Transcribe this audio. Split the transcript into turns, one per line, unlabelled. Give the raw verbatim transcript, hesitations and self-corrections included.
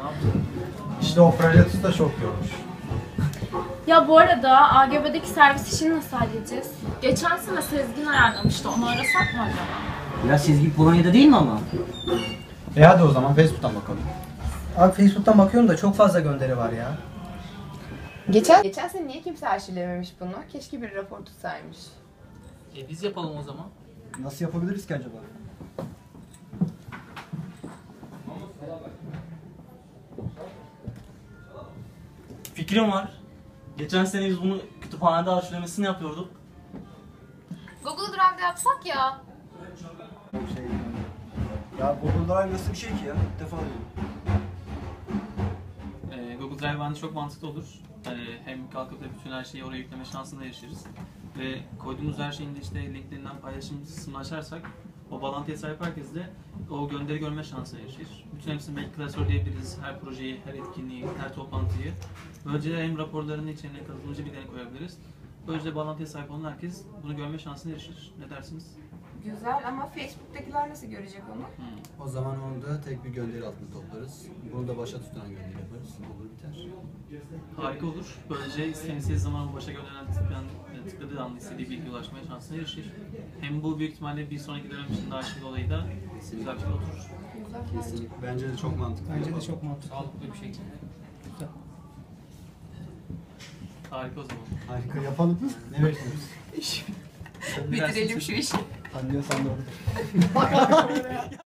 yaptın?
İşte o Freyatus da çok yormuş.
Ya bu arada A G B'deki servis işini nasıl halledeceğiz?
Geçen sene Sezgin ayarlamıştı. Onu arasak mı acaba?
Ya Sezgin Polonya'da değil mi ama?
E hadi o zaman Facebook'tan bakalım.
Abi Facebook'tan bakıyorum da çok fazla gönderi var ya.
Geçen Geçen sene niye kimse arşivlememiş bunu? Keşke bir rapor tutsaymış.
E biz yapalım o zaman.
Nasıl yapabiliriz ki acaba?
Fikrim var. Geçen sene biz bunu kütüphanede arşivlemesini yapıyorduk.
Google Drive'da yapsak ya.
Şey, ya Google Drive nasıl bir şey ki ya? İlk defa duydum.
Ee, Google Drive bence çok mantıklı olur. Hani hem kalkıp da bütün her şeyi oraya yükleme şansına erişiriz. Ve koyduğumuz her şeyin de işte linklerinden paylaşım kısmını açarsak o bağlantıya sahip herkes de o gönderi görme şansına erişir. Bütün hepsini belki klasörleyebiliriz. Her projeyi, her etkinliği, her toplantıyı. Böylece hem raporlarının içine katılımcı bilgilerini koyabiliriz. Böylece bağlantıya sahip olan herkes bunu görme şansına erişir. Ne dersiniz?
Güzel ama Facebook'takiler nasıl görecek onu?
Hmm.
O zaman onu da tek bir gönderi altında toplarız. Bunu da başa tutulan gönderi yaparız. Olur biter.
Harika olur. Böylece isteyen istediği zaman başa gönderilen tıklayan, tıkladığı anda istediği bilgiye ulaşmaya şansına erişir. Hem bu büyük ihtimalle bir sonraki dönem için daha arşiv olayı da güzel bir şey oturur.
Kesinlikle. Bence de çok mantıklı.
Bence de çok mantıklı.
Sağlıklı bir şekilde. Harika o zaman.
Harika yapalım. Ne bekliyoruz?
Bitirelim şu işi.
Anlıyorsan doğru.